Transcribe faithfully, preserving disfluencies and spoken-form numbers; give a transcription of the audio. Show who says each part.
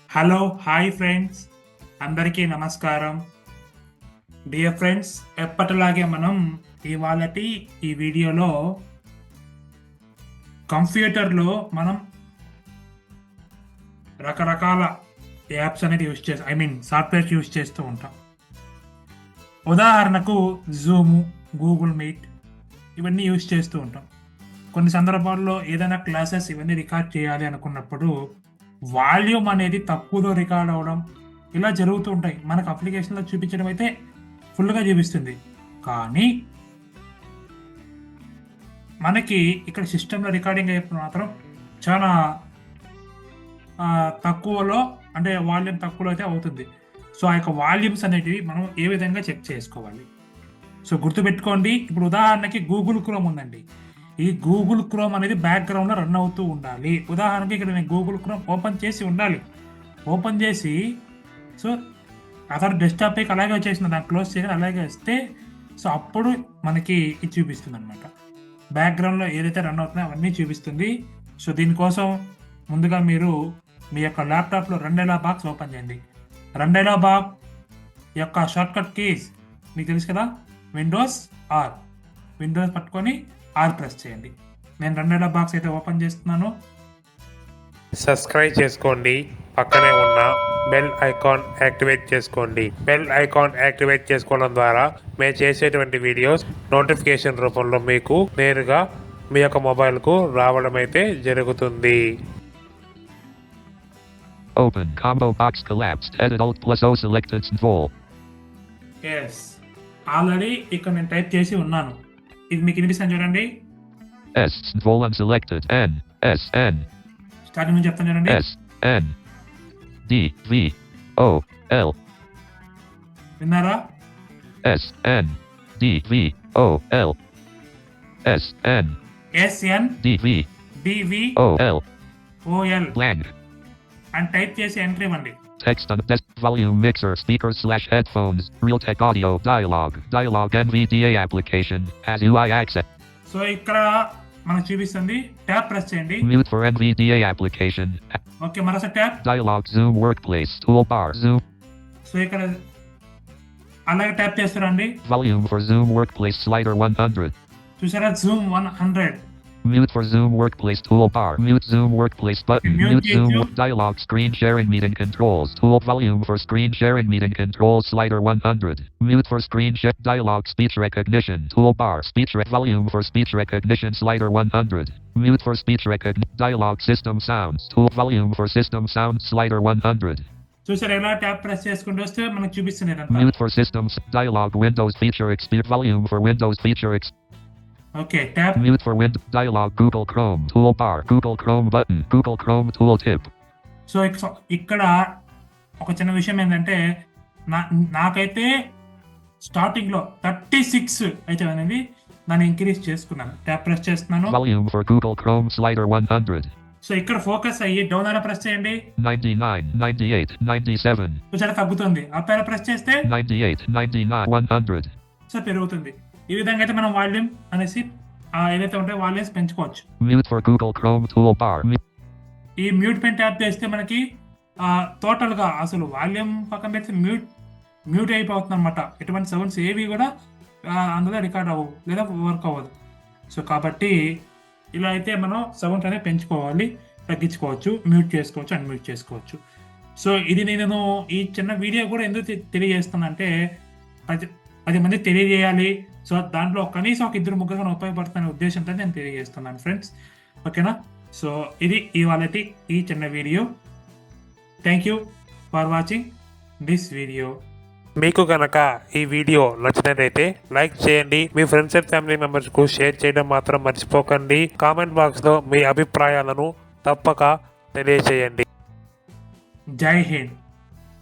Speaker 1: Hello hi friends, అందరికీ నమస్కారం. Dear friends, ఎప్పటిలాగే మనం ఇవాళటి ఈ వీడియోలో కంప్యూటర్లో మనం రకరకాల యాప్స్ అనేది యూజ్ చేస్తాం, ఐ మీన్ సాఫ్ట్వేర్స్ యూజ్ చేస్తూ ఉంటాం. ఉదాహరణకు జూము, గూగుల్ మీట్ ఇవన్నీ యూజ్ చేస్తూ ఉంటాం. కొన్ని సందర్భాల్లో ఏదైనా క్లాసెస్ ఇవన్నీ రికార్డ్ చేయాలి అనుకున్నప్పుడు వాల్యూమ్ అనేది తక్కువలో రికార్డ్ అవ్వడం ఇలా జరుగుతూ ఉంటాయి. మనకు అప్లికేషన్లో చూపించడం అయితే ఫుల్గా చూపిస్తుంది, కానీ మనకి ఇక్కడ సిస్టంలో రికార్డింగ్ అయినప్పుడు మాత్రం చాలా తక్కువలో, అంటే వాల్యూమ్ తక్కువలో అయితే అవుతుంది. సో ఆ యొక్క వాల్యూమ్స్ అనేటివి మనం ఏ విధంగా చెక్ చేసుకోవాలి? సో గుర్తుపెట్టుకోండి, ఇప్పుడు ఉదాహరణకి గూగుల్ క్రోమ్ ఉందండి. ఈ గూగుల్ క్రోమ్ అనేది బ్యాక్గ్రౌండ్లో రన్ అవుతూ ఉండాలి. ఉదాహరణకి ఇక్కడ నేను గూగుల్ క్రోమ్ ఓపెన్ చేసి ఉండాలి. ఓపెన్ చేసి సో అతను డెస్క్టాప్ పైకి అలాగే వచ్చేసిన దాన్ని క్లోజ్ చేసి అలాగే వస్తే సో అప్పుడు మనకి ఇది చూపిస్తుంది అనమాట. బ్యాక్గ్రౌండ్లో ఏదైతే రన్ అవుతుందో అవన్నీ చూపిస్తుంది. సో దీనికోసం ముందుగా మీరు మీ యొక్క ల్యాప్టాప్లో రెండేలా బాక్స్ ఓపెన్ చేయండి. రెండేలా బాక్స్ యొక్క షార్ట్కట్ కీస్ మీకు తెలుసు కదా, విండోస్ ఆర్. విండోస్ పట్టుకొని ఆర్ ప్రెస్ చేయండి. నేను రెండేళ్ల బాక్స్ అయితే ఓపెన్ చేస్తున్నాను.
Speaker 2: సబ్స్క్రైబ్ చేసుకోండి, పక్కనే ఉన్న బెల్ ఐకాన్ యాక్టివేట్ చేసుకోండి. బెల్ ఐకాన్ యాక్టివేట్ చేసుకోవడం ద్వారా మేము చేసేటువంటి వీడియోస్ నోటిఫికేషన్ రూపంలో మీకు నేరుగా మీ యొక్క మొబైల్కు రావడం అయితే జరుగుతుంది.
Speaker 3: Open combo box collapsed. Edit Alt plus O selected Vol.
Speaker 1: Yes, already ఇక్కడ నేను టైప్ చేసి ఉన్నాను. ఇది మీకు వినిపిస్తాను చూడండి.
Speaker 3: S Vol unselected. N S N.
Speaker 1: Starting నుంచి చెప్తాను చూడండి.
Speaker 3: S N D V O L.
Speaker 1: విన్నారా?
Speaker 3: S N D V O L. S N
Speaker 1: S N
Speaker 3: D V
Speaker 1: D V
Speaker 3: O L.
Speaker 1: O L
Speaker 3: Blank.
Speaker 1: అని type చేసి enter ఇవ్వండి.
Speaker 3: Text on desk. Volume mixer. Speakers slash headphones. Realtek audio. Dialog. Dialog N V D A application. Has U I access.
Speaker 1: So ఇక్కడ మనకు చూపిస్తుంది. Tab press చేయండి.
Speaker 3: Mute for N V D A application.
Speaker 1: Okay, మరోసారి tab.
Speaker 3: Dialog Zoom Workplace. Toolbar. Zoom.
Speaker 1: So ఇక్కడ అలాగే tap చేస్తారండి.
Speaker 3: Volume for Zoom Workplace slider one hundred.
Speaker 1: చూసారా, zoom one hundred.
Speaker 3: Mute for Zoom Workplace toolbar. Mute Zoom Workplace button.
Speaker 1: Mute
Speaker 3: Mute Zoom
Speaker 1: YouTube.
Speaker 3: dialog. Screen sharing meeting controls. Tool volume for screen sharing meeting controls slider one hundred. Mute for screen share dialog. Speech recognition toolbar. Speech rec volume for speech recognition slider one hundred. Mute for speech recognition dialog. System sounds tool volume for system sounds slider one hundred.
Speaker 1: చూసారా, ఎలా tap press చేసుకుంటూ వస్తే మనకు చూపిస్తుంది.
Speaker 3: Mute for systems dialog. Windows feature experience volume for Windows feature ex.
Speaker 1: Okay, tap.
Speaker 3: Mute for Windows dialog. Google Chrome toolbar. Google Chrome button. Google Chrome tooltip.
Speaker 1: So ఇక- ఇక్కడ ఒక చిన్న విషయం ఏంటంటే, నా నాకైతే స్టార్టింగ్లో థర్టీ సిక్స్ అయితే అనేది దాన్ని ఇంక్రీజ్ చేసుకున్నాను. ట్యాప్ ప్రెస్ చేస్తున్నాను.
Speaker 3: Volume for Google Chrome slider one hundred.
Speaker 1: So ఇక్కడ ఫోకస్ అయ్యి డౌన్ అయినా ప్రెస్ చేయండి.
Speaker 3: ninety-nine, ninety-eight, ninety-seven,
Speaker 1: చూసారా, తగ్గుతుంది. అప్ అయినా ప్రెస్ చేస్తే
Speaker 3: ninety-eight, ninety-nine, one hundred.
Speaker 1: So పెరుగుతుంది. ఈ విధంగా అయితే మనం వాల్యూమ్ అనేసి ఆ ఏదైతే ఉంటాయో వాల్యూమ్స్ పెంచుకోవచ్చు.
Speaker 3: Mute for Google Chrome toolbar. Mu-
Speaker 1: ఈ మ్యూట్ పెన్ ట్యాప్ చేస్తే మనకి టోటల్గా అసలు వాల్యూమ్ పక్కన పెడితే మ్యూట్ మ్యూట్ అయిపోతుంది అనమాట. ఎటువంటి సౌండ్స్ ఏవి కూడా ఆ, అందులో రికార్డ్ అవ్వవు లేదా వర్క్ అవ్వదు. సో కాబట్టి ఇలా అయితే మనం సౌండ్స్ అనేది పెంచుకోవాలి, తగ్గించుకోవచ్చు, మ్యూట్ చేసుకోవచ్చు, అన్మ్యూట్ చేసుకోవచ్చు. సో ఇది నేను ఈ చిన్న వీడియో కూడా ఎందుకు తె- తెలియజేస్తున్నా అంటే పది పది మంది తెలియజేయాలి. సో దాంట్లో కనీసం ఒక ఇద్దరు ముగ్గురు ఉపయోగపడుతున్న ఉద్దేశంతో నేను తెలియజేస్తున్నాను ఫ్రెండ్స్. ఓకేనా? సో ఇది ఇవాళటి ఈ చిన్న video. Thank you for watching this video.
Speaker 2: మీకు కనుక ఈ వీడియో నచ్చినట్లయితే లైక్ చేయండి, మీ ఫ్రెండ్స్ అండ్ ఫ్యామిలీ మెంబర్స్కు షేర్ చేయడం మాత్రం మర్చిపోకండి. కామెంట్ బాక్స్లో మీ అభిప్రాయాలను తప్పక తెలియజేయండి.
Speaker 1: జై హింద్.